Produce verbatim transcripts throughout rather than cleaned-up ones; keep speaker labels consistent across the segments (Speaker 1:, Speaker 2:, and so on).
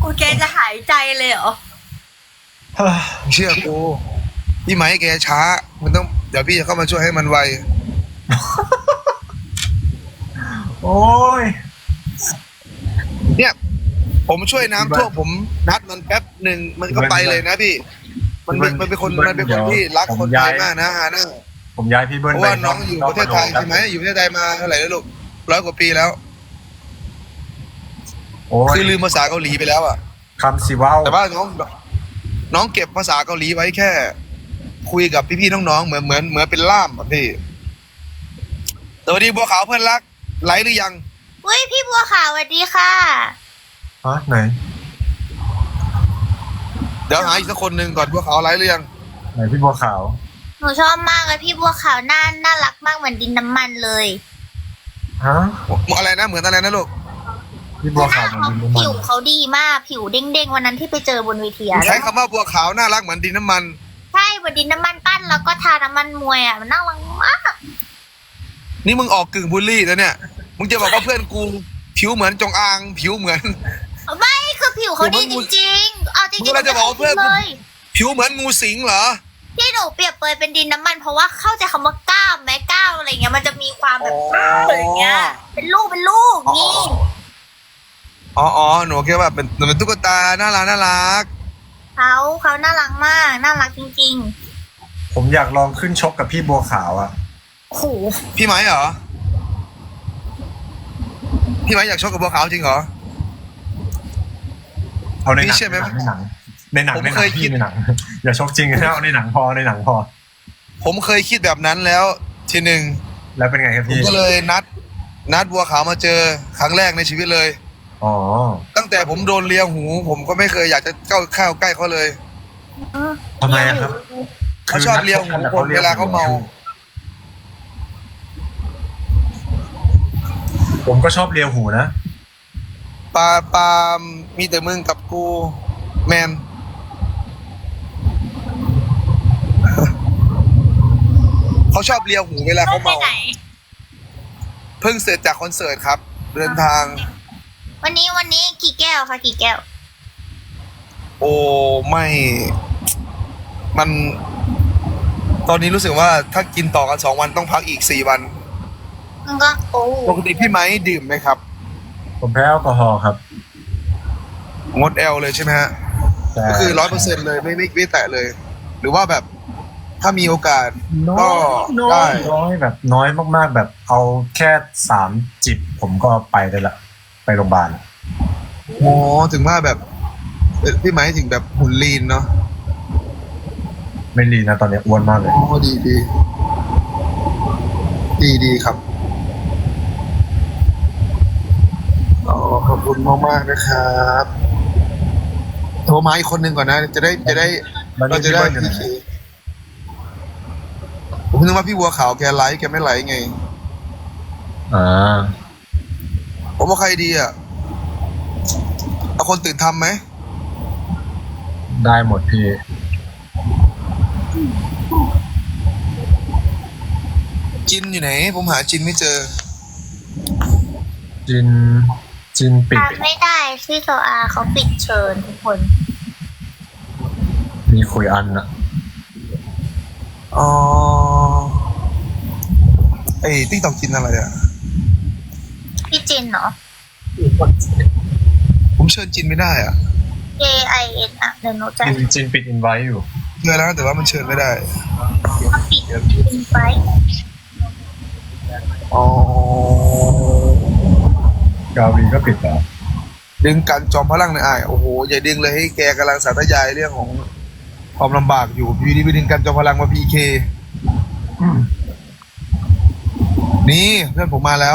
Speaker 1: แกจะหายใจเลยเหรอ
Speaker 2: เชื่อกูพี่ไหมแกช้ามันต้องเดี๋ยวพี่จะเข้ามาช่วยให้มันไว
Speaker 3: โอ้ย
Speaker 2: เนี่ยผมช่วยน้ำท่วมผมนัดมันแป๊บหนึ่งมันก็ไปเลยนะพี่ มันเป็นมันเป็นคนมันเป็นคนที่รักคนไทยมากนะฮะนะ
Speaker 3: ผมย้ายพี่เบิ้ล
Speaker 2: เพราะว่าน้องอยู่ประเทศไทยใช่ไหมอยู่ประเทศไทยมาเท่าไหร่แล้วลูกร้อยกว่าปีแล้วคือลืมภาษาเกาหลีไปแล้วอ่ะ
Speaker 3: คำสิว้าว
Speaker 2: แต่ว่าน้องน้องเก็บภาษาเกาหลีไว้แค่ คุยกับพี่ๆน้องๆเหมือนเหมือนเหมือนเป็นล่ามอ่ะพี่สวัสดีบัวขาวเพื่อนรักไลฟ์หรือยัง
Speaker 1: อุ้ยพี่บัวขาวสวัสดีค่ะ
Speaker 3: ฮะไหน
Speaker 2: เดี๋ยวหาอีกสักคนหนึ่งก่อนบัวขาวไลฟ์หรือยัง
Speaker 3: ไหนพี่บัวขาว
Speaker 1: หนูชอบมากเลยพี่บัวขาวน่าน่ารักมากเหมือนดินน้ำมันเลย
Speaker 3: ฮะ
Speaker 2: อะไรนะเหมือนอะไรนะลูก
Speaker 3: พี่บัวขาวเหมือนดินน้ำมัน
Speaker 1: ผิวเขาดีมากผิวเด้งๆวันนั้นที่ไปเจอบนเวทีอะ
Speaker 2: ใช้คำว่าบัวขาวน่ารักเหมือนดินน้ำมัน
Speaker 1: ใช่เหมือนดินน้ำมันปั้นแล้วก็ทาน้ำมันมวยอ่ะมันน่ารักมาก
Speaker 2: นี่มึงออกกึ่งบูลลี่แล้วเนี่ยมึงจะบอกว่าเพื่อนกูผิวเหมือนจงอางผิวเหมือน
Speaker 1: ไม่คือผิวเขาดีจริงๆเอาจริงๆ
Speaker 2: มึงเราจะบอกว่าเพื่อน
Speaker 1: เลย
Speaker 2: ผิวเหมือนงูสิงเหรอ
Speaker 1: ที่หนูเปรียบเปรยเป็นดินน้ำมันเพราะว่าเข้าใจคำว่ากล้ามไหมกล้ามอะไรเงี้ยมันจะมีความแบบอะไรเงี้ยเป็นลูกเป็นลูกนี่
Speaker 2: อ๋ออ๋อหนูแค่ว่าเป็นเป็นตุ๊กตาน่ารักน่ารัก
Speaker 1: เขาเขาน่ารักมากน่ารักจริง
Speaker 3: ผมอยากลองขึ้นชกกับพี่บัวขาวอ่ะ
Speaker 1: ๆโอ้โห
Speaker 2: พี่ไหมเหรอพี่ไหมอยากชกกับบัวขาวจริงเหรอ
Speaker 3: เอาในหนัง
Speaker 2: พี่เชื่อไหม
Speaker 3: ในหนังในหนัง
Speaker 2: ผม
Speaker 3: ในหนั
Speaker 2: เค
Speaker 3: ง
Speaker 2: ยคิ
Speaker 3: พี่
Speaker 2: ด
Speaker 3: ในหนัง อย่าชกจริงนะเอาในหนังพอในหนังพอ
Speaker 2: ผมเคยคิดแบบนั้นแล้ว ทีหนึ่ง
Speaker 3: แล้วเป็นไงครับ
Speaker 2: ผม
Speaker 3: พี่
Speaker 2: ก็เลยนัด นัดบัวขาวมาเจอครั้งแรกในชีวิตเลย
Speaker 3: อ๋อ
Speaker 2: ตั้งแต่ผมโดนเลียหู ผมก็ไม่เคยอยากจะเข้าเข้าใกล้เขาเลย
Speaker 3: ทำไมอะครับ
Speaker 2: เขาชอบเลียหูคนเวลาเขาเมา
Speaker 3: ผมก็ชอบเลียหูนะ
Speaker 2: ปาปามีแต่มึงกับกูแมน เขาชอบเลียหูเวลาเขา
Speaker 1: ไป
Speaker 2: เมา
Speaker 1: ไหน
Speaker 2: เพิ่งเสร็จจากคอนเสิร์ตครับ เดินทาง
Speaker 1: วันนี้วันนี้กี่แก้วคะกี่แก้ว
Speaker 2: โอ้ไม่ มัน ตอนนี้รู้สึกว่าถ้ากินต่อกันสองวันต้องพักอีกสี่วัน
Speaker 1: มันก็โอ้
Speaker 2: ปกติพี่ไม้ดื่มไหมครับ
Speaker 3: ผมแพ้แอลกอฮอล์ครับ
Speaker 2: งดแอลเลยใช่ไหมฮะ
Speaker 3: แต่
Speaker 2: ก็คือร้อยเปอร์เซ็นต์เลยไม่ไม่ไม่แตะเลย หรือว่าแบบถ้ามีโอกาส
Speaker 3: น้
Speaker 2: ก็
Speaker 3: อยน้อ
Speaker 2: ได้
Speaker 3: ยน้อยแบบน้อยมากๆ แบบเอาแค่สามจิบผมก็ไปได้ละ ไปโรงพยาบาล
Speaker 2: อ๋อถึงว่าแบบเอ่อพี่ไม้ถึงแบบหุ่นลีนเนาะ
Speaker 3: ไม่รีนะตอนนี้อ้วนมากเลย
Speaker 2: อ๋อดีดีดีดีครับอ๋อขอบคุณมากมากๆนะครับโทรมาอีกคนหนึ่งก่อนนะ จะได้จะได้
Speaker 3: แล้ว
Speaker 2: เรา
Speaker 3: นี่
Speaker 2: จะ
Speaker 3: พี่
Speaker 2: ได้
Speaker 3: เบิ้ลอยู่ไหน
Speaker 2: พี่เคผมนึกว่าพี่บัวขาวแกไลฟ์แกไม่ไลฟ์ไง
Speaker 3: อ่า
Speaker 2: ผมว่าใครดีอ่ะเอาคนตื่นทำไหม
Speaker 3: ได้หมดพี่
Speaker 2: จินอยู่ไหน ผมหาจินไม่เจอ
Speaker 3: จิน จินปิด
Speaker 1: ทานไม่ได้ที่โซอาเขาปิดเชิญทุกคน
Speaker 3: มีคุยอันอะ
Speaker 2: อ๋อไอ้ติ๊กตอกจินอะไรอ่ะ
Speaker 1: พี่จินเนาะ
Speaker 2: ผมเชิญจินไม่ได้อ่ะ
Speaker 1: J I N อ่ะเดี๋ยวหนูจะ
Speaker 3: จินจินปิดอินไว้อยู่
Speaker 2: เจอแล้วแต่ว่ามันเชิญไม่ได้
Speaker 1: มาปิดอินไฟ
Speaker 2: อ๋อก
Speaker 3: าวีก็ปิดแล้ว
Speaker 2: ดึงกันจอมพลังในอยอ้ายโอ้โหอย่าดึงเลยให้แกกำลังสาธยายเรื่องของความลำบากอยู่พี่ดีไปดึงกันจอมพลังมาพีเคนี่เพื่อนผมมาแล้ว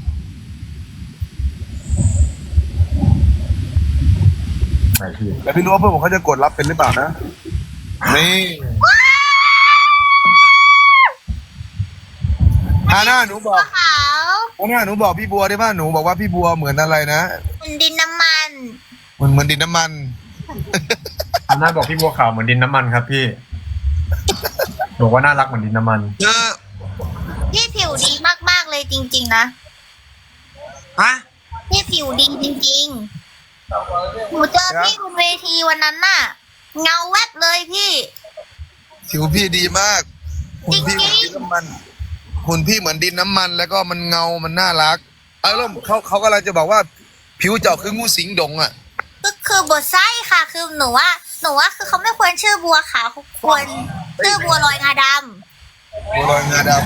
Speaker 3: ไหนพี่
Speaker 2: แต่พี่รู้ว่าเพื่อนผมเขาจะกดรับเป็นหรือเปล่านะ นี่ฮาน่าหนูบอก
Speaker 1: ขาว
Speaker 2: ฮาน่าหนูบอกพี่บัวได้ป่ะหนูบอกว่าพี่บัวเหมือนอะไรนะ
Speaker 1: เป็นดินน้ำมัน
Speaker 2: เหมือนเหมือนดินน้ำมัน
Speaker 3: อันน่าบอกพี่บัวขาวเหมือนดินน้ำมันครับพี่ บอกว่าน่ารักเหมือนดินน้ำมัน
Speaker 2: เออ
Speaker 1: พี่ผิวดีมากๆเลยจริงๆนะ
Speaker 2: ฮะ
Speaker 1: พี่ผิวดีจริงหนูเจอพี่บนเวทีวันนั้นน่ะ เงาแวบเลยพี่
Speaker 2: ผิวพี่ดีมากหุ่นพี่เห
Speaker 1: จริ
Speaker 2: มือน
Speaker 1: งๆ
Speaker 2: ดินน้ำมันหุ่นพี่เหมือนดินน้ำมัน แล้วก็มันเงา มันน่ารักเออแล้วเขาเขากำลังจะบอกว่า ผิวเจ้าคืองูสิงดงอ่ะ
Speaker 1: ก็คือบทไส้ค่ะ คือหนูว่าหนูว่าคือเขาไม่ควรชื่อบัวขาวเขาควรชื่อบัวลอยงาด
Speaker 2: บัวลอยงาด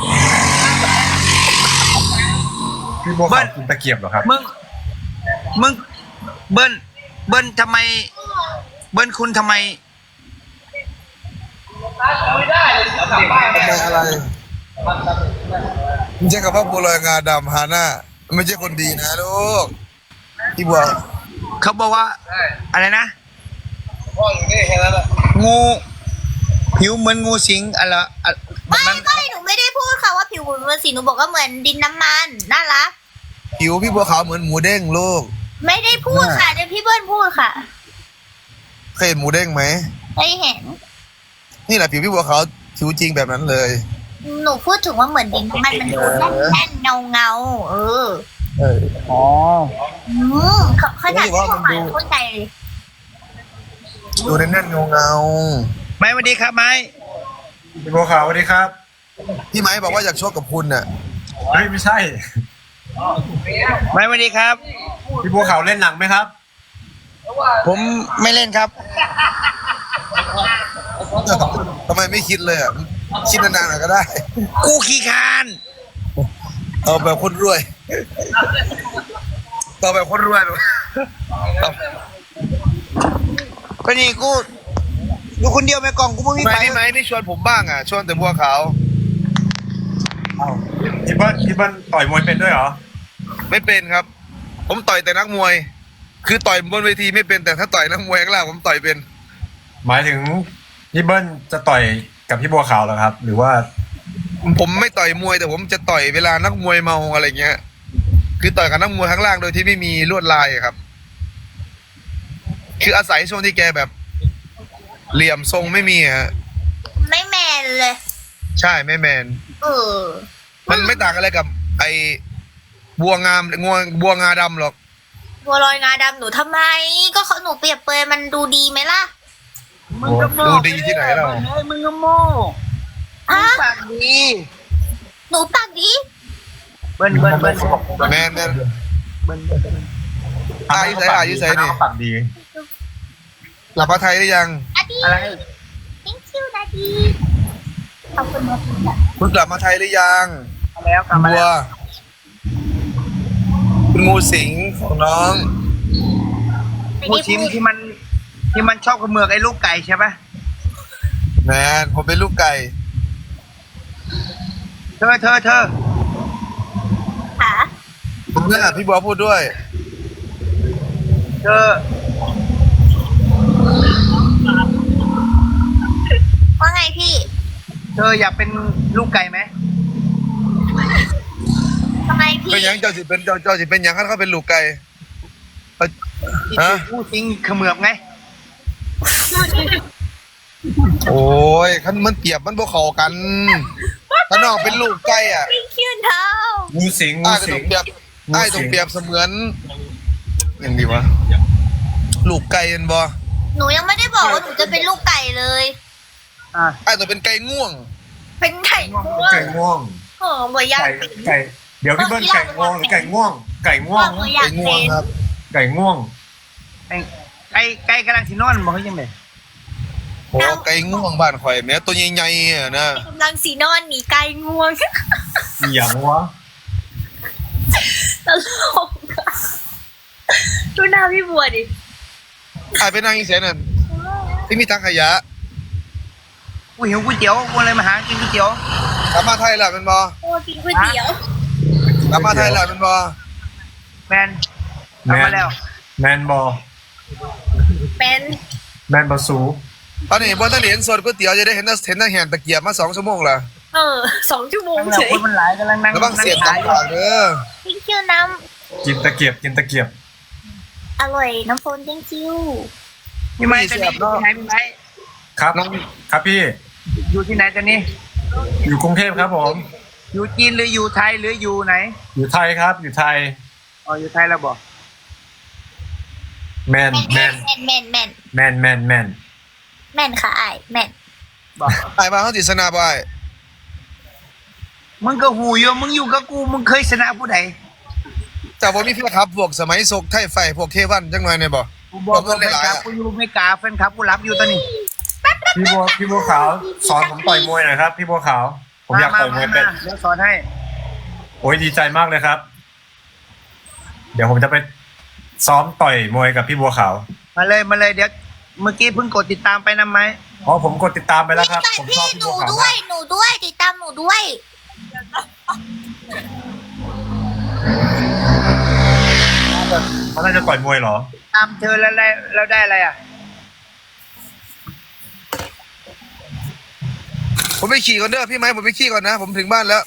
Speaker 3: พี่บัวขาวกินตะเกียบเหรอครับ
Speaker 4: มึง มึง เบิ้ลเบิ้ลทำไม เบิ้ลคุณทำไม
Speaker 2: ำทำไมอะไรไม่ใช่กับพ่อบัวลอยงาดำฮาน่าไม่ใช่คนดีนะลูกพี่บัว
Speaker 4: เขาบอกว่า อะไรนะ งู ผิวเหมือนงูสิงอะไรอะ
Speaker 1: ำ
Speaker 4: แบบ
Speaker 1: ไม่
Speaker 4: นั้น
Speaker 1: ไม่หนูไม่ได้พูดค่ะว่าผิวเหมือนสีหนูบอกว่าเหมือนดินน้ำมันน่ารัก
Speaker 2: ผิวพี่บัวขาวเหมือนหมูเด้งลูก
Speaker 1: ไม่ได้พูดค่ะเดี๋ยวพี่เบิ้ลพูดค่ะ
Speaker 2: เคยเห็นหมูเด้งไหม
Speaker 1: ได้เห็น
Speaker 2: นี่แหละผิวพี่บัวขาวผิวจริงแบบนั้นเลย
Speaker 1: หนูพูดถึงว่าเหมือนดินน้ำมันมันดูแน่นๆเงาเงาๆเออ
Speaker 2: เออ
Speaker 4: อ๋อ
Speaker 1: อืมเขาเขาอยาก
Speaker 2: เฮ้ยว่ามันดู
Speaker 1: เข้าใจเลย
Speaker 2: ดูแน่นๆเงาเงา
Speaker 4: ไม้สวัสดีครับไม้
Speaker 3: พี่บัวขาวสวัสดีครับ
Speaker 2: ๆพี่ไม้บอกว่าอยากชกกับคุณน่ะ
Speaker 3: เฮ้ยไม่ใช่
Speaker 4: ไม้สวัสดีครับ
Speaker 3: พี่บัวขาวเล่นหนังไหมครับ
Speaker 4: ผมไม่เล่นครับ
Speaker 2: ทำไมไม่คิดเลยอ่ะคิดนานๆหน่อยก็ได้
Speaker 4: กูขี้คร้าน
Speaker 2: เอาแบบคนรวยเอาแบบคนรวยเอา
Speaker 4: ก็นี่กูอยู่คนเดียวไม่กล่องกูไม่มี
Speaker 2: ไม่
Speaker 4: ไป
Speaker 2: พี่ไม้นี่ชวนผมบ้างอ่ะชวนแต่บัวขาว
Speaker 3: พี่เบิ้ลพี่เบิ้ลต่อยมวยเป็นด้วยเหรอ
Speaker 2: ไม่เป็นครับ ผมต่อยแต่นักมวย คือต่อยบนเวทีไม่เป็นแต่ถ้าต่อยนักมวยข้างล่างผมต่อยเป็น
Speaker 3: หมายถึงพี่เบิ้ลจะต่อยกับพี่บัวขาวเหรอครับ หรือว่า
Speaker 2: ผมไม่ต่อยมวยแต่ผมจะต่อยเวลานักมวยเมาอะไรเงี้ย คือต่อยกับนักมวยข้างล่างโดยที่ไม่มีลวดลายอะครับ คืออาศัยช่วงที่แกแบบ เหลี่ยมทรงไม่มีอะฮะ
Speaker 1: ไม่แมนเลย
Speaker 2: ใช่ไม่แมน
Speaker 1: เออ
Speaker 2: มันไม่ต่างอะไรกับ ไอ้บัวงามงัวบัวงาดำหรอก
Speaker 1: บัวลอยงาดำหนูทำไม ก็เขาหนูเปรียบเปรยมันดูดีไหมล่ะ
Speaker 4: มึงก็โม่
Speaker 2: ดูดีที่ไหนเรา
Speaker 4: เฮ้ยมึงก็โม่มึ
Speaker 1: อ่ะ
Speaker 4: งปากดี
Speaker 1: หนูปากดี
Speaker 4: เบิ้ลเบิ้ลเบิ้ล
Speaker 2: แมนแมน
Speaker 4: เบิ้ลเบิ้ล
Speaker 2: อายุใส่อายุใส่นี่
Speaker 3: ปากดี
Speaker 2: หลับพระไทยหรือยัง
Speaker 1: อะดี
Speaker 4: อะไร
Speaker 1: thank you นะดีขอบคุณมากค่ะ
Speaker 2: คุณกลับมาไทยหรือยัง
Speaker 4: มาแล้วกลับมา
Speaker 2: บัว
Speaker 4: แล้ว
Speaker 2: คุณงูสิงของน้อง
Speaker 1: ไม่
Speaker 4: งู
Speaker 1: ได้
Speaker 4: ชิม
Speaker 1: พูด
Speaker 4: ที่มัน ที่มันชอบกระเมือกไอ้ลูกไก่ใช่ปะ
Speaker 2: แมนผมเป็นลูกไก่
Speaker 4: เธอเธอเธอ
Speaker 1: ค่ะ
Speaker 2: ผมเนี่ยพี่บัวพูดด้วย
Speaker 4: เธอ
Speaker 1: ว่าไงพี่
Speaker 4: เธออยากเป็นลูกไก่ไหม
Speaker 1: ทำไมพี่
Speaker 2: เป็นหยังเจ้าสิเป็นเจ้าเจ้าสิเป็นหยังเขาเขาเป็นลูกไก่เอ้ย
Speaker 4: ที่
Speaker 2: ฮะ
Speaker 4: ถูกงูสิงเขมือบไง
Speaker 2: โอ้ยคันมันเปรียบมันพวกเขากันถ้าน้องเป็นลูกไก่อ่ะ
Speaker 1: thank you เท้า
Speaker 3: งูสิงงู
Speaker 2: อ้ายก็
Speaker 3: สิ
Speaker 2: ต้อง งเปรียบอ้ายต้องเปรียบเสมือนอย่างดีวะลูกไก่เห็นบ่
Speaker 1: หนูยังไม่ได้บอกว่าหนูจะเป็นลูกไก่เลย
Speaker 4: อ่ะ
Speaker 2: อ้ายต้องเป็นไก่ง่วง
Speaker 1: เป็นไก่ง่วง
Speaker 3: ไก่ง่วง
Speaker 1: เออบ่อยาก
Speaker 3: ไก่
Speaker 1: เป็น
Speaker 3: ไก่เดี๋ยวพี่เบิ้ลไก่ง่วงหรือไก่ง่วง ไก่ง่วง
Speaker 1: บ่อยา
Speaker 2: ไก่
Speaker 1: ก
Speaker 2: ง่ว
Speaker 1: เป็
Speaker 2: ง
Speaker 1: น
Speaker 2: ครับ
Speaker 3: ไก่ง่วง
Speaker 4: ไอ้ไก่ไก่กำลังสินอนบอกเขายังไง
Speaker 2: โอ้ไก่ง่วงบ้านข่อยแม้ตัวใหญ่ๆอ่ะนะ
Speaker 1: กำลังสีนอนหนีไก่ง่วง
Speaker 3: อหย่างวะ
Speaker 1: ตลกอะดูหน้าพี่บัวดิ
Speaker 2: อ้ายไปนั่งอีเสนนั่นที่มีทางขยะ
Speaker 4: กูหิวก๋วยเตี๋ยวกูเลยมาหากินก๋วยเตี๋ยว
Speaker 2: กลับมาไทยแล้วเป็นบ่
Speaker 1: โอ้กินก๋วยเตี๋ยว
Speaker 2: กลับมาไทยแล้วเป็นบ่
Speaker 4: แมนทำมาแล้ว
Speaker 3: แมนบอ
Speaker 1: เป็น
Speaker 3: แมนบอสู
Speaker 2: ตอนนี้บ่ทันได้เห็นสดก๋วยเตี๋ยวจะได้เห็นแต่เห็นแต่แหนตะเกียบมาสองชั่วโมงและ
Speaker 1: เออสองชั่วโมง
Speaker 4: ทั้งเรา
Speaker 1: เฉย
Speaker 4: คนมันหลายกำลังนั่ง
Speaker 2: ระวังเสียบ
Speaker 4: นั่
Speaker 2: ตาง
Speaker 4: ขาย
Speaker 2: ปากเด้อ
Speaker 1: thank you น้
Speaker 3: กินตะเกียบกินตะเกียบ
Speaker 1: ำอร่อยน้ำโฟน thank you
Speaker 4: พี่ไม้ตอนนี้อยู่ที่ไหนพี่ไม้
Speaker 3: ครับครับพี่
Speaker 4: อยู่ที่ไหนตอนนี้
Speaker 3: อยู่กรุงเทพครับผม
Speaker 4: อยู่จีนหรืออยู่ไทยหรืออยู่ไหน
Speaker 3: อยู่ไทยครับ อยู่ไทย
Speaker 4: อ๋ออยู่ไทยแล้วบอก
Speaker 3: แมนแม
Speaker 1: แม่
Speaker 3: น
Speaker 1: นแม่นแม่นแม่น
Speaker 3: แมนแมนแมน
Speaker 1: แม่นค่ะไอ้แม่น
Speaker 4: บอก
Speaker 2: ไอ้มาเขาติดสนาบไอ้
Speaker 4: มึงก็หูอยู่มึงอยู่กับกูมึงเคยชนะผู้ใด
Speaker 2: แต่ผมมีเพื่อนครับพวกสมัยโศกไทยไฟพวกเควันจังหน่อยเนี่ยบ่
Speaker 4: กูบอก
Speaker 2: เพื่
Speaker 4: ว่า
Speaker 2: อน
Speaker 4: แฟน
Speaker 2: หลาย
Speaker 4: คลับ
Speaker 2: ๆอะ
Speaker 4: กูอยู่ไม่กล้าแฟนคลับกูรับอยู่ตอนนี้
Speaker 3: พี่บัวพี่บัวขาวสอนผมต่อยมวยหน่อยครับพี่บัวขาวผมอยากต่อยมวยเป็น
Speaker 4: เดี๋ยวสอนให้
Speaker 3: โอ้ยดีใจมากเลยครับ เดี๋ยวผมจะไปซ้อมต่อยมวยกับพี่บัวขาว
Speaker 4: มาเลยมาเลยเดี๋ยวเมื่อกี้เพิ่งกดติดตามไปนะไหม
Speaker 3: อ๋อผมกดติดตามไปแล้วครับ
Speaker 1: แต่
Speaker 3: ผมช
Speaker 1: พี่
Speaker 3: อบพี่
Speaker 1: ห
Speaker 3: บั
Speaker 1: นู
Speaker 3: วขาว
Speaker 1: ด้ว
Speaker 3: มาย ก
Speaker 1: หนูด้วยติดตามหนูด้วย
Speaker 3: เขาน่าจะต่อยมวยเหรอ
Speaker 4: ตามเธอแล้วได้แล้วได้อะไรอ่ะ
Speaker 2: ผมไปขี่ก่อนเด้อพี่ไม้ผมไปขี่ก่อนนะผมถึงบ้านแล้ว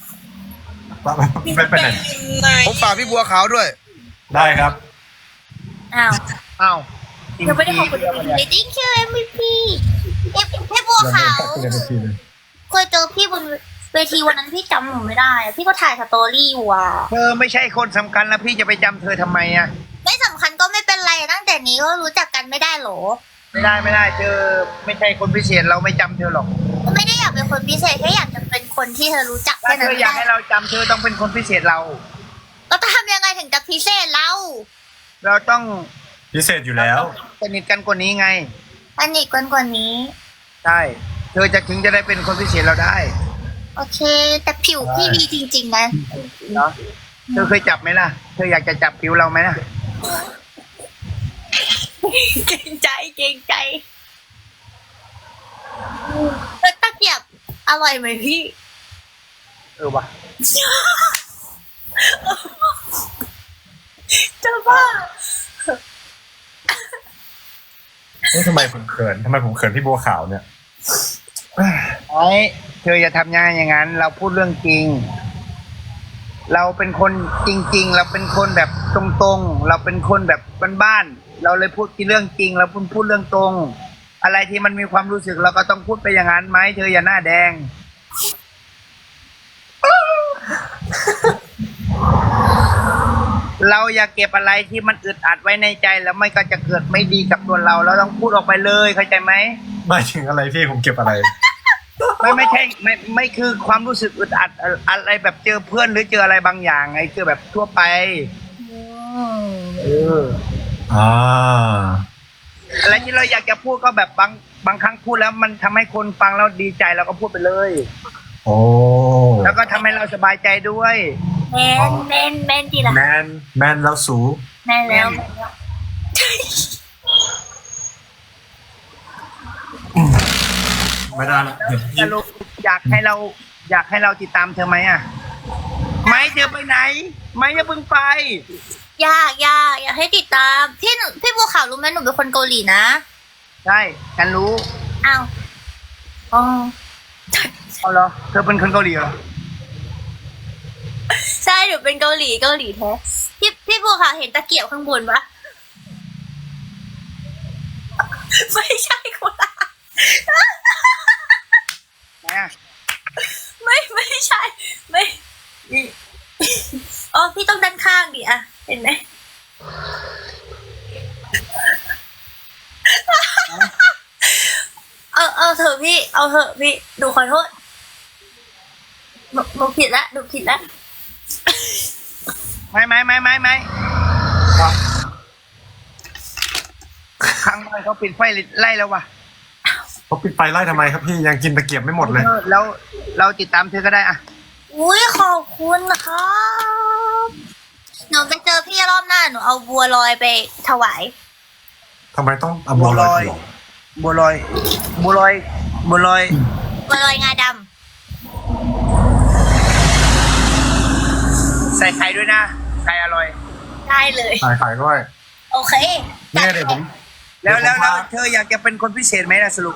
Speaker 3: ไม่ไปไหน
Speaker 2: ผมฝากพี่บัวขาวด้วย
Speaker 3: ได้ครับ
Speaker 1: อ้าว
Speaker 4: อ้าว
Speaker 1: เธอไม่ได้ขอบคุณ เอ็ม วี พี thank you เอ็ม วี พีเอฟพี่บัวขาวเคยเจอพี่บนเวทีวันนั้นพี่จำหนูไม่ได้อะพี่ก็ถ่ายสตอรี่อยู่อ่ะ
Speaker 4: เธอไม่ใช่คนสำคัญแล้วพี่จะไปจำเธอทำไมอ่ะ
Speaker 1: ไม่สำคัญก็ไม่เป็นไรตั้งแต่นี้ก็รู้จักกันไม่ได้หรอ
Speaker 4: ไม่ได้ไม่ได้เธอไม่ใช่คนพิเศษเราไม่จำเธอหรอก
Speaker 1: ก็ไม่ได้อยากเป็นคนพิเศษแค่อยากจะเป็นคนที่เธอรู้จัก
Speaker 4: ถ้า
Speaker 1: แค่
Speaker 4: เธ
Speaker 1: นั้น
Speaker 4: ออยากให้เราจำเธอต้องเป็นคนพิเศษเรา
Speaker 1: เราจะทำยังไงถึงจะพิเศษเรา
Speaker 4: เราต้อง
Speaker 3: พิเศษอยู่แล้ว
Speaker 4: สนิทกันกว่านี้ไง
Speaker 1: สนิทกันกว่านี้
Speaker 4: ใช่เธอจะถึงจะได้เป็นคนพิเศษเราได้
Speaker 1: โอเค แต่ผิวพี่ดีจริงๆนะ
Speaker 4: เนาะเธอเคยจับไหมล่ะ เธออยากจะจับผิวเราไหมล่ะ
Speaker 1: เกรงใจเกรงใจแล้วตะเกียบอร่อยไหมพี่
Speaker 4: เออว่ะ
Speaker 1: จะบ้า
Speaker 3: นี่ทำไมผมเขินทำไมผมเขินพี่บัวขาวเนี่ย
Speaker 4: ไอ้เธออย่าทำงานอย่างนั้น เราพูดเรื่องจริง เราเป็นคนจริง ๆ เราเป็นคนแบบตรงๆ เราเป็นคนแบบบ้านๆ เราเลยพูดที่เรื่องจริง เราพูดพูดเรื่องตรง อะไรที่มันมีความรู้สึกเราก็ต้องพูดไปอย่างนั้นไหมเธออย่าหน้าแดง เราอย่าเก็บอะไรที่มันอึดอัดไว้ในใจแล้วไม่ก็จะเกิดไม่ดีกับตัวเรา เราต้องพูดออกไปเลยเข้าใจไหม
Speaker 3: ไม่ถึงอะไรพี่ผมเก็บอะไร
Speaker 4: ไม่ไม่ใช่ไม่ไม่คือความรู้สึกอึดอัดอะอะไรแบบเจอเพื่อนหรือเจออะไรบางอย่างไงคือแบบทั่วไปเออ
Speaker 3: อ่า
Speaker 4: อะไรที่เราอยากจะพูดก็แบบบางบางครั้งพูดแล้วมันทำให้คนฟังแล้วดีใจเราก็พูดไปเลย
Speaker 3: โอ้
Speaker 4: แล้วก็ทำให้เราสบายใจด้วย
Speaker 1: แมนแมนแมนดีละ
Speaker 3: แมนแมนแล้วสู
Speaker 1: แมนแล้ว
Speaker 3: ไม่ได้ละเดี๋ยวพี่
Speaker 4: สรุปอยากให้เราอยากให้เราติดตามเธอไหมอ่ะไม่เธอไปไหน ไม่อย่าเพิ่งไป
Speaker 1: อยากอยากอยากให้ติดตาม พี่หนูพี่บัวขาวรู้ไหมหนูเป็นคนเกาหลีนะ
Speaker 4: ใช่ฉันรู้
Speaker 1: อ้าวอ๋อ
Speaker 4: เอาเหรอเธอเป็นคนเกาหลีเหรอ
Speaker 1: ใช่หนูเป็นเกาหลีเกาหลีแท้พี่พี่บัวขาวเห็นตะเกียบข้างบนปะไม่ใช่คนละ
Speaker 4: ไหนอ่ะ
Speaker 1: ไม่ไม่ใช่ไม่อ๋อพี่ต้องด้านข้างดิอะเห็นไหมเอาเอาเถอะพี่ เอาเถอะพี่หนูขอโทษหนูหนูผิดละหนูผิดละ
Speaker 4: ไม่ไม่ไม่ไม่ไม่ข้างบ้านเขาปิดไฟไล่แล้ววะ
Speaker 3: เขาปิดไฟไล่ทำไมครับพี่ยังกินตะเกียบไม่หมดเลย
Speaker 4: เออแล้วเราติดตามเธอก็ได้อะ
Speaker 1: อุ้ยขอบคุณครับหนูไปเจอพี่รอบหน้าหนูเอาบัวลอยไปถวาย
Speaker 3: ทำไมต้องเอาบัวลอย
Speaker 4: บัวลอยบัวลอยบัวลอย
Speaker 1: บัวลอยงาด
Speaker 4: ใส่ไข่ด้วยนะไข่อร่อย
Speaker 1: ำได้เลย
Speaker 3: ขายขายด้วย
Speaker 1: โอเค
Speaker 3: เนี่ยเดี๋ยวผม
Speaker 4: แล้วแล้ว
Speaker 3: เดี๋
Speaker 4: แล้
Speaker 3: ยว วผมพา
Speaker 4: เธออยากจะเป็นคนพิเศษไหมล่ะสรุป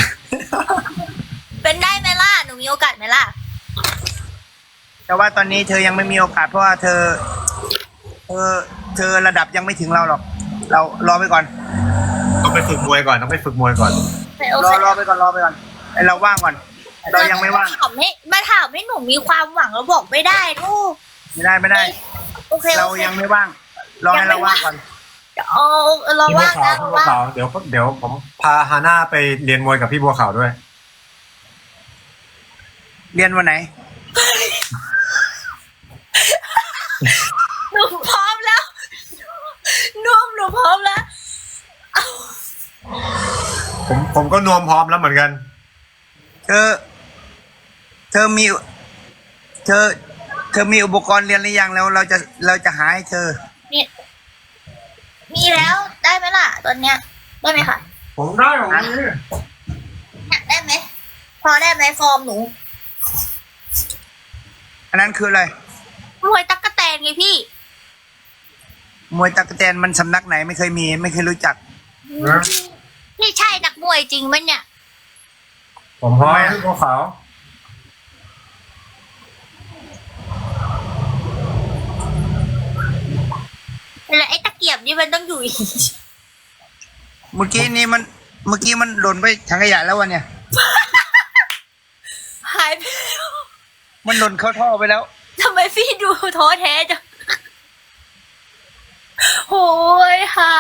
Speaker 1: เป็นได้ไหมล่ะหนูมีโอกาสไหมล่ะ
Speaker 4: แต่ว่าตอนนี้เธอยังไม่มีโอกาสเพราะว่าเธอ เธอเธอระดับยังไม่ถึงเราหรอก เรารอไปก่อน
Speaker 3: ต้องไปฝึกมวยก่อนต้องไปฝึกมวยก่อน
Speaker 1: โอ
Speaker 4: รอ
Speaker 1: เค
Speaker 4: รอไปก่อนรอไปก่อนไอเราว่างก่อน เรายังไม่ว่าง
Speaker 1: ถามให้มาถามให้หนูมีความหวังแล้วบอกไม่ได้ลูก
Speaker 4: ไม่ได้ไม่ได้
Speaker 1: โอเค
Speaker 4: เรา
Speaker 1: โอเค
Speaker 4: ยังไม่ว่าง รอให้เราว่างก่อน
Speaker 1: โเอาเรา
Speaker 3: พี่บัว
Speaker 1: ว่าง
Speaker 3: ขาว
Speaker 1: นะ
Speaker 3: พี่
Speaker 1: เรา
Speaker 3: บัว
Speaker 1: ว่าง
Speaker 3: ขาวเดี๋ยวเดี๋ยวผมพาฮาน่าไปเรียนมวยกับพี่บัวขาวด้วย
Speaker 4: เรียนวันไหน
Speaker 1: หนูพร้อมแล้วนุ่มหนูพร้อมแล้ว
Speaker 3: ผมผมก็นวมพร้อมแล้วเหมือนกัน
Speaker 4: เธอ เธอมี เธอ เธอมีอุปกรณ์เรียนหรือยังแล้วเราจะเราจะหาให้เธอ
Speaker 1: มีมีแล้วได้ไหมล่ะตอนเนี้ยได้ไหมคะ
Speaker 3: ผมได้ของนี้
Speaker 1: เนี่ยได้ไหมพอได้ไหมฟอร์มหนู
Speaker 4: อันนั้นคืออะไร
Speaker 1: มวยตั๊กแตนไงพี่
Speaker 4: มวยตะกแตนมันสำนักไหนไม่เคยมี ไม่เคยรู้จัก
Speaker 1: พี่ใช่นักมวยจริงไหมเนี่ย
Speaker 3: ผมพร้อมพี่บัวขาว
Speaker 1: แล้วไอ้ตะเกียบนี่มันต้องอยู่อีก
Speaker 4: เมื่อกี้นี้มัน เมื่อกี้มันหล่นไปถังขยะแล้ววะเนี่ย
Speaker 1: หายไปแล้ว
Speaker 4: มันหล่นเข้าท่อไปแล้ว
Speaker 1: ทำไมพี่ดูท้อแท้จังโหยหา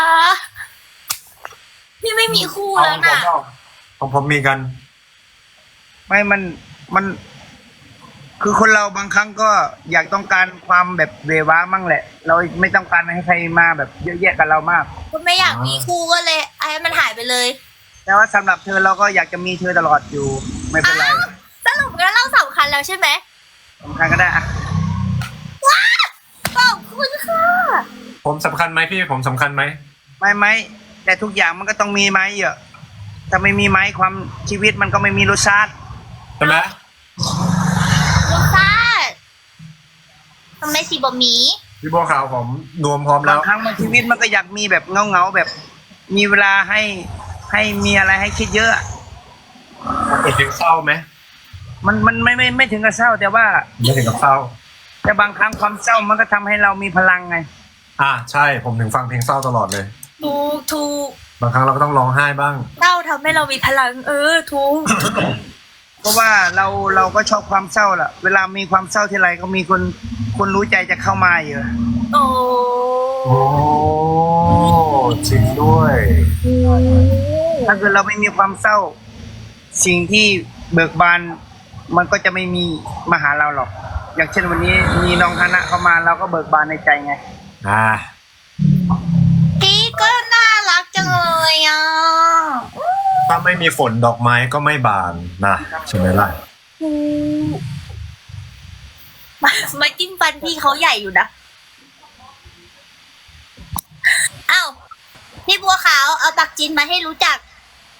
Speaker 1: พี่ไม่มีคู่แล้วน่ะ
Speaker 3: ของผมมีกัน
Speaker 4: ไม่มัน มัน คือคนเราบางครั้งก็อยากต้องการความแบบเวว้ามั่งแหละ เราไม่ต้องการให้ใครมาแบบเยอะแยะกับเรามาก
Speaker 1: ก็ไม่อยากมีคู่ก็เลยให้มันหายไปเลย
Speaker 4: แต่ว่าสำหรับเธอเราก็อยากจะมีเธอตลอดอยู่ ไม่เป็นไร
Speaker 1: อ้าวสรุปแล้วเราสำคัญแล้วใช่ไหม
Speaker 4: สำคัญก็ได้อะ
Speaker 1: ว้าขอบคุณค่ะ
Speaker 3: ผมสำคัญไหมพี่ผมสำคัญไหม
Speaker 4: ไม่ไม่แต่ทุกอย่างมันก็ต้องมีไม้เยอะถ้าไม่มีไม้ความชีวิตมันก็ไม่มีรสชาติ
Speaker 3: ใช่ไหม
Speaker 1: ลูกชาติทำไมสีบะหมี่
Speaker 3: พี่บัวขาวผมนวมพร้อมแล้
Speaker 4: บาว งครั้งมันชีวิตมันก็อยากมีแบบเงาเงาๆแบบ มีเวลาให้ให้มีอะไรให้คิดเยอะ
Speaker 3: เป็นถึงเศร้าไหม
Speaker 4: มันมันไม่ไม่ไม่ถึงกับเศร้า แต่ว่า
Speaker 3: ไม่ถึงกับเศร้า
Speaker 4: แต่บางครั้งความเศร้ามันก็ทำให้เรามีพลังไง
Speaker 3: อ่าใช่ผมถึงฟังเพลงเศร้าตลอดเลย
Speaker 1: ถูกถูก
Speaker 3: บางครั้งเราก็ต้องร้องไห้บ้าง
Speaker 1: เต้าทำให้เรามีพลัง เออถูก
Speaker 4: เพราะว่าเราเราก็ชอบความเศร้าแหละเวลามีความเศร้าทีไรก็มีคนคนรู้ใจจะเข้ามาเยอะ
Speaker 1: โอ้
Speaker 3: โอ้จริงด้วย
Speaker 4: ถ้าเกิดเราไม่มีความเศร้า สิ่งที่เบิกบานมันก็จะไม่มีมาหาเราหรอก อย่างเช่นวันนี้มีน้องฮานะเข้ามาเราก็เบิกบานในใจไง
Speaker 3: อ่า
Speaker 1: พี่ก็น่ารักจังเลยอ่ะ
Speaker 3: ถ้าไม่มีฝนดอกไม้ก็ไม่บานนะใช่ไหมล่ะ
Speaker 1: ถูกมามาจิ้มฟันพี่เขาใหญ่อยู่นะอ้าวพี่บัวขาวเอาปักจินมาให้รู้จัก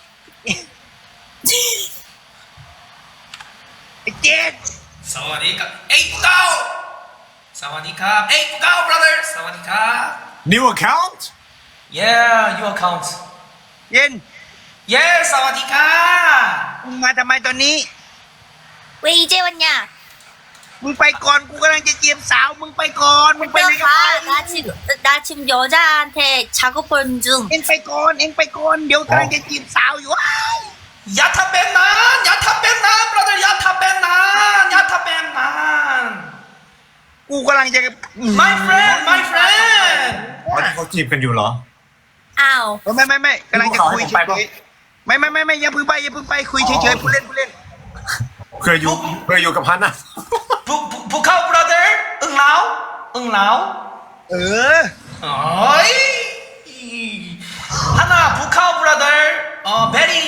Speaker 4: ไอ้เจ็ด
Speaker 5: สวัสดีครับเอ้ยปุ๊กเก้าสวัสดีครับเอ้ยปุ๊กเก้า brother สวัสดีครับ
Speaker 3: New account
Speaker 5: yeah your account
Speaker 4: เย็น
Speaker 5: yeah สวัสดีครับ
Speaker 4: มึงมาทำไมตอนนี้
Speaker 1: เวยเจวันเนี่ย
Speaker 4: มึงไปก่อนกูกำลังจะเจียมสาวมึงไปก่อนมึงไปไหนกัน
Speaker 1: 가
Speaker 4: ไป
Speaker 1: 나 지금 나 지금 여자한테 작업 보는 중
Speaker 4: เอ็งไปก่อนเอ็งไปก่อนเดี๋ยวกำลังจะจีบสาวอยู่ว้าย
Speaker 5: อย่าทำเป็นนั้นอย่าทำเป็นนั้น brother อย่าทำเป็นนั้นอย่าทำเป็นนั้น
Speaker 4: กูกำลังจะ
Speaker 5: my friend my friend
Speaker 3: วันนี้เขาจีบกันอยู่เหรอ
Speaker 1: อ้าว
Speaker 4: เออไม่ไม่ไม่กำลังจะคุย
Speaker 3: ให้ผมไป
Speaker 4: เฉ
Speaker 3: ปะ
Speaker 4: ยๆไม่ไม่ไม่ไม่อย่าเพึ่งไปอย่าเพึ่งไปคุยเฉยๆผู้เล่นผู้เล่น
Speaker 3: เคยอยู่เคยอยู่กับพันนะ
Speaker 5: ปุ๊กปุ๊กปุ๊กเก้า brother อึ้งเหลาอึ้งเหลา
Speaker 4: เออ
Speaker 5: โอ้ยฮานาปุ๊กเก้า brother เอ่อ very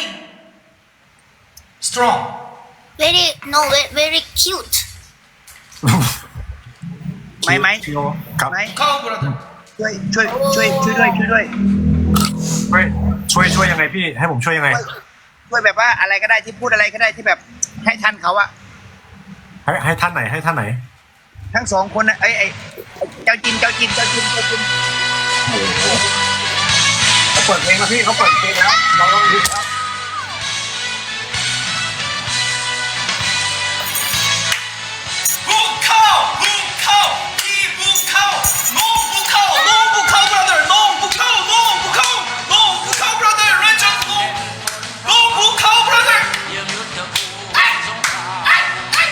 Speaker 5: strong
Speaker 1: very no very, very cute
Speaker 4: ไม่ไหม
Speaker 3: ครับ
Speaker 4: ไหม
Speaker 5: ปุ๊กเก้า brother
Speaker 4: ช่วยช่วยช่วยช่วยด้วยช่วยด้วย
Speaker 3: ช่วยช่วยช่วยยังไงพี่ ให้ผมช่วยยังไง
Speaker 4: ช่วยแบบว่าอะไรก็ได้ที่พูดอะไรก็ได้ที่แบบให้ทันเขาอะ
Speaker 3: ให้ให้ท่านไหนให้ท่านไหน
Speaker 4: ทั้งสองคนนะไอ้ไอ้เจ้าจินเจ้าจินเจ้าจินเจ้าจิน
Speaker 3: เขาเปิดเพลงแล้วพี่เขาเปิดเพลงแล้วเราต้องดูครับ
Speaker 5: บุกเข้าบุกเข้าพี่บุกเข้าน้องบุกเข้าน้องบุกเข้า brother น้องบุกเข้าน้องบุกเข้าน้องบุกเข้า brother เรนจังน้องน้องบุกเข้า brother ไอ้ไอ้ไอ้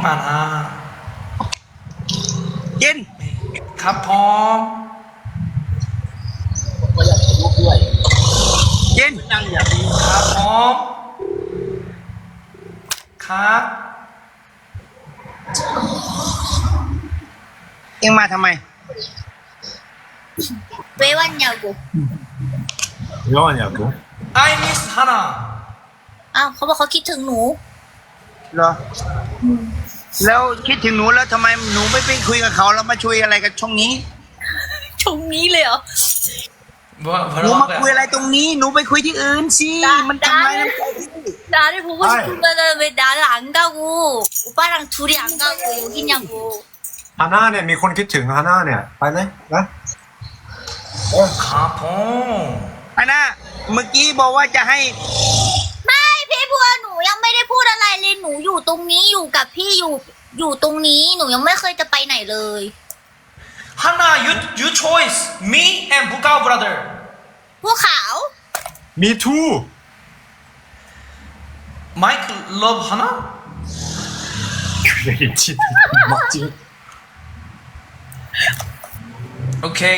Speaker 5: อ่านอ่ะ
Speaker 4: เย็น
Speaker 5: ครับผม
Speaker 4: เย็น
Speaker 5: ครับผมครับ
Speaker 4: เอ็งมาทำไม
Speaker 1: 왜 왔냐고.
Speaker 3: 왜 왔냐고?
Speaker 5: I miss 하나
Speaker 1: อ้าวเขาบอกเขาคิดถึงหนู
Speaker 4: เหรอ แล้วคิดถึงหนูแล้วทำไมหนูไม่ไปคุยกับเขาแล้วมาช่วยอะไรกับช่องนี้
Speaker 1: ชงนี้เลยเหรอ
Speaker 5: 뭐
Speaker 4: หนู
Speaker 5: 뭐라고
Speaker 4: มา
Speaker 5: 할
Speaker 4: คุย
Speaker 5: 거야
Speaker 4: อะไรตรงนี้ หนูไปคุยที่อื่นสิ
Speaker 1: ได้
Speaker 4: มันทำไรน้ำใจพี่
Speaker 1: 나를 보고
Speaker 3: 아이.
Speaker 1: 싶으면은 왜 나를 안 가고 오빠랑 둘이 안 가고 여기냐고.
Speaker 3: 하나네, 미콘 키팅, 하나네. 빨리, 나?
Speaker 5: 가봉
Speaker 4: อันน่ะเมื่อกี้บอกว่าจะให้
Speaker 1: ไม่พี่บัวหนูยังไม่ได้พูดอะไรเลยหนูอยู่ตรงนี้อยู่กับพี่อยู่อยู่ตรงนี้หนูยังไม่เคยจะไปไหนเลย
Speaker 5: 하나 you you choice me and 부카오 brother
Speaker 1: พวกขาว
Speaker 3: Me too!
Speaker 5: Mike love 하나
Speaker 3: 그래, 진 막지.
Speaker 5: 오케이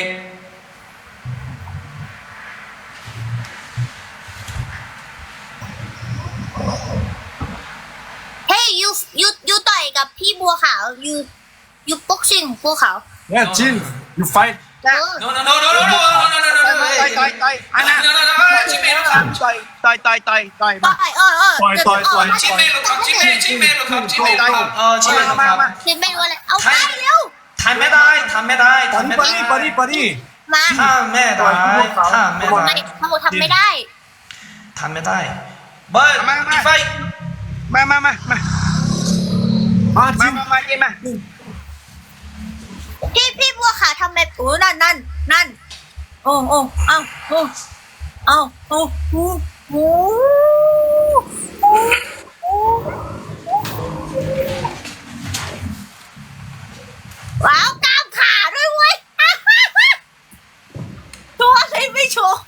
Speaker 1: Hey you you you ต่อยกับพี่บัวขาว you you boxing บัวขาว
Speaker 3: 야, 진, you fight.
Speaker 1: เออ
Speaker 5: no no no no no no no no no no
Speaker 4: ต่อยต่อยต่อยอันน่ะ
Speaker 5: no no no no 찐메일로 가
Speaker 4: ต่อยต่อยต่อยต่อยต่อย
Speaker 1: ต่
Speaker 4: มา
Speaker 1: อยเออเออ
Speaker 3: ต่อยต่อยต่อย
Speaker 5: 찐메일로 가 찐메일 찐메일로 가 찐메일로 가어 찐메일로
Speaker 4: มามา
Speaker 5: 가
Speaker 1: เห็นไม่รู้อะไรเอาไปเร็ว
Speaker 5: 담메다이 담메다이
Speaker 3: 빨리, 빨리, 빨리,
Speaker 5: 담메다이
Speaker 3: 빨리.
Speaker 1: มา
Speaker 5: 담메다이
Speaker 1: ไม่
Speaker 5: 담메다이
Speaker 1: เขาบอกทำไม่ได้
Speaker 5: 담메다이 but if I
Speaker 4: มามามามา
Speaker 3: 아,
Speaker 4: มา
Speaker 3: 진.
Speaker 4: มามาเย็นมา
Speaker 1: พี่พี่บัวขาวทำไมโอ้นั่นนั่นนั่นโอ้โอ้เอาโอ้เอาโอ้โอ้โอ้ว้าวกล้ามขาด้วยเว้ยตัวอะไรไม่โชว์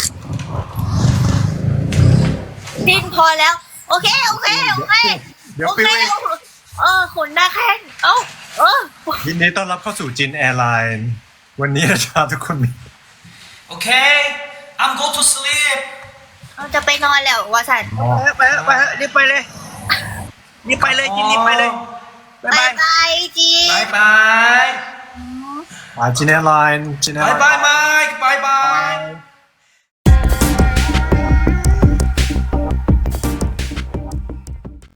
Speaker 1: ดินพอแล้ว โอเค โอเค โอเค
Speaker 3: เดี๋ยว
Speaker 1: โอ
Speaker 3: ไป
Speaker 1: เค
Speaker 3: เว้ย
Speaker 1: เออขนหน้าแข้งเอ้าเออ
Speaker 3: ยินดีต้อนรับเข้าสู่จินแอร์ไลน์ วันนี้นะครับทุกคนมี
Speaker 5: okay I'm go to sleep
Speaker 1: เราจะไปนอนแล้ววาสัน
Speaker 4: ไปเถอะไปเถอะรีบไปเลยรีบไปเลยจินรีบไปเลยบ๊าย
Speaker 1: บา
Speaker 4: บาย ย
Speaker 1: บายจี
Speaker 5: 바이바이
Speaker 3: อ่าจินแอร์ไลน์จินแอร์ไลน์
Speaker 5: 바이바이 마이크 바이바이